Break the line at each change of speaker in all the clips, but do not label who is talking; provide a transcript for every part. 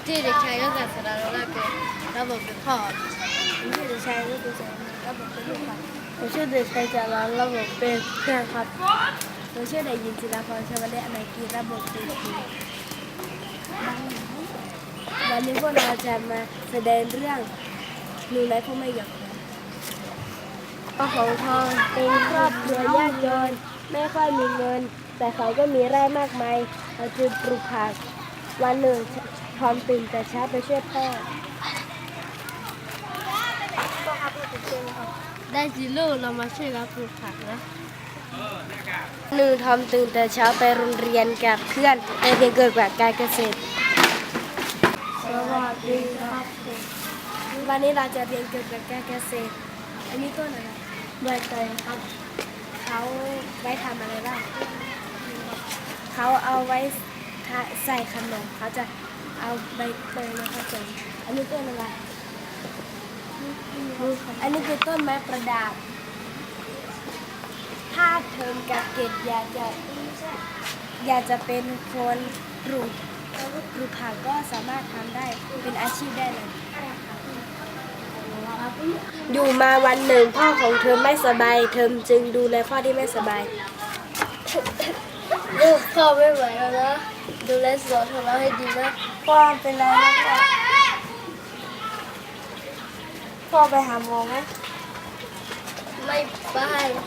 ที่เด็กชายก็การสารระเป็นระบบเป็นพ่อผมชื่อเด็กชายก็คือระบบเป็นลูกครับผมชื่อเด็กชายจารันระบบเป็นเพื่อนครับผมชื่อเด็กหญิงจิราพรชวเลอนาคีระบบเป็นครูวันนี้พวกเราจะมาแสดงเรื่องหนูน้อยผู้ไม่หยอกพ่อของทองเป็นครอบครัวยากจนไม่ค่อยมีเงินแต่เขาก็มีไร่มากมายเขาจึงปลูกผักวันหนึ่งทอมตื่นแต่เช้าไปช่วยพ่อได้สิลูกเรามาช่วยรับปลูกผักนะหนึ่งทอมตื่นแต่เช้าไปโรงเรียนกับเพื่อนในเรียนเกี่ยวกับการเกษตรสวัสดีครับวันนี้เราจะเรียนเกี่ยวกับการเกษตรอันนี้ต้นอะไรใบเตยครับเขาไว้ทำอะไรบ้างเขาเอาไว้ใส่ขนมเขาจะเอาใบเตยมาผสมอันนี้ต้นอะไรอันนี้คือต้นไม้ประดับถ้าเทอมกับเกดอยากจะเป็นคนปลูกผักก็สามารถทำได้เป็นอาชีพได้เลยอยู่มาวันหนึ่งพ่อของเธอไม่สบายเธอจึงดูแลพ่อที่ไม่สบายลูกพ่อไม่ไหวแล้วนะดูแลสอนของเราให้ดีนะพ่อเป็นไรนะพ่อไปหาหมอไหมไม่ไป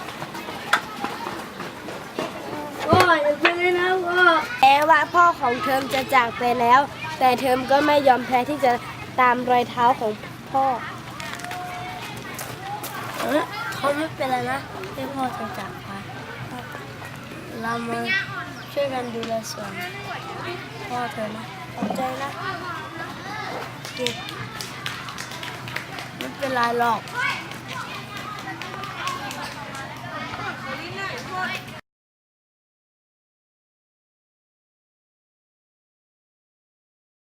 พ่ออย่าไปเลยนะพ่อแม้ว่าพ่อของเทอมจะจากไปแล้วแต่เทอมก็ไม่ยอมแพ้ที่จะตามรอยเท้าของพ่อเขาไม่เป็นไรนะที่พ่อจะจากไปเรามาช่วยกันดูแลสวนพ่อเธอนะขอบใจนะเก็บไม่เป็นไรหรอก